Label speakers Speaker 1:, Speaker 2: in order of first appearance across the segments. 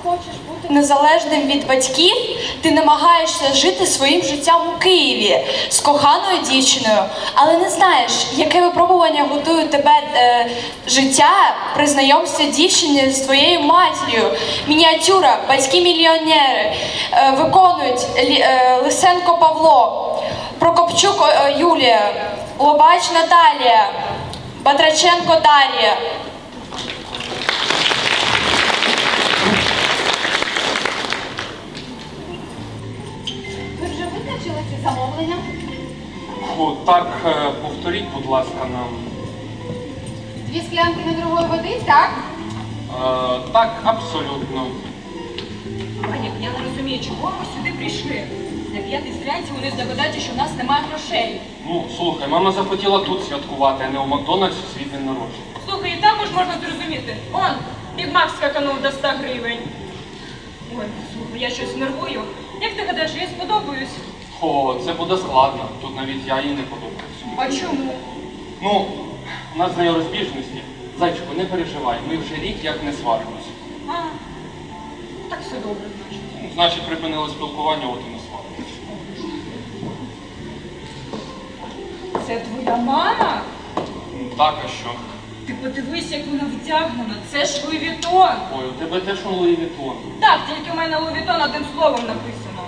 Speaker 1: хочеш бути незалежним від батьків, ти намагаєшся жити своїм життям у Києві з коханою дівчиною, але не знаєш, яке випробування готує тебе життя при знайомстві дівчини з твоєю матір'ю. Мініатюра, батьки-мільйонери виконують Лисенко Павло, Прокопчук Юлія, Лобач Наталія, Батраченко Дар'я.
Speaker 2: Ви вже визначили ці замовлення?
Speaker 3: Так, повторіть, будь ласка, нам.
Speaker 2: 2 склянки недорогої води, так?
Speaker 3: Так, абсолютно.
Speaker 4: Ваня, я не розумію, чого ми сюди прийшли. На п'ятій стрянці вони здогадаються, що в нас немає грошей.
Speaker 3: Ну, слухай, мама захотіла тут святкувати, а не у Макдональдсі свій день народження.
Speaker 4: Слухай, і також можна зрозуміти. Он, Біг Мак скаканув до 100 гривень. Ой, слухай, я щось нервую. Як ти гадаєш, я їй сподобаюсь?
Speaker 3: О, це буде складно. Тут навіть я їй не подобаюся.
Speaker 4: А чому?
Speaker 3: Ну, у нас з нею розбіжності. Зайчику, не переживай, ми вже рік як не сваримося.
Speaker 4: А, так все добре, значить.
Speaker 3: Ну, значить, припинили спілкування, от і не сваримося.
Speaker 4: Це твоя мама?
Speaker 3: Так, а що?
Speaker 4: Ти подивись, як вона вдягнена. Це ж Луї Вітон.
Speaker 3: Ой, у тебе теж он Луї Вітон.
Speaker 4: Так, тільки у мене Луї Вітон одним словом написано.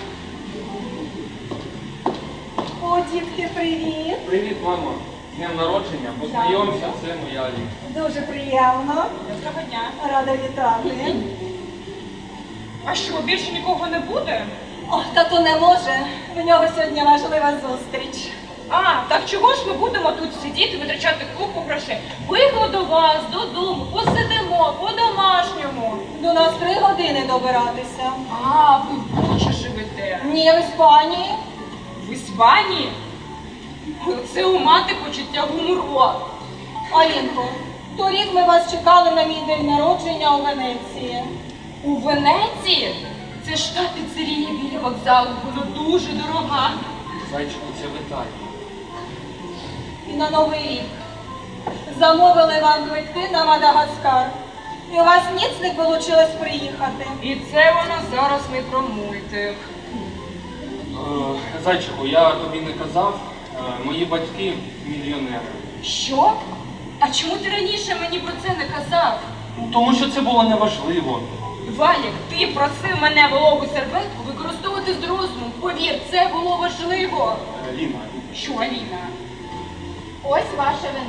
Speaker 5: О, дітки, привіт!
Speaker 3: Привіт, мама. З днем народження. Познайомся, це моя Аліна.
Speaker 5: Дуже приємно.
Speaker 4: Доброго дня.
Speaker 5: Рада вітати.
Speaker 4: А що, більше нікого не буде?
Speaker 5: Ох, тату не може. В нього сьогодні важлива зустріч.
Speaker 4: А, так чого ж ми будемо тут сидіти, витрачати купу грошей? Поїхали до вас, додому, посидимо, по-домашньому.
Speaker 5: До нас 3 години добиратися.
Speaker 4: А, ви в Бучі живете.
Speaker 5: Ні, в Іспанії.
Speaker 4: В Іспанії? Це у мати почуття гумору.
Speaker 5: Алінко, торік ми вас чекали на мій день народження у Венеції.
Speaker 4: У Венеції? Це ж та піцерія біля вокзалу, вона дуже дорога.
Speaker 3: Зайчику, це в Італії.
Speaker 5: І на Новий рік. Замовили вам квитки на Мадагаскар. І у вас ніц не вийшло приїхати.
Speaker 4: І це вона зараз не про мультик.
Speaker 3: Зайчику, я тобі не казав, мої батьки мільйонери.
Speaker 4: Що? А чому ти раніше мені про це не казав?
Speaker 3: Ну, тому що це було неважливо.
Speaker 4: Валік, ти просив мене вологу серветку використовувати з розумом. Повір, це було важливо.
Speaker 3: Ліна.
Speaker 4: Що, Аліна?
Speaker 2: Ось ваше вино.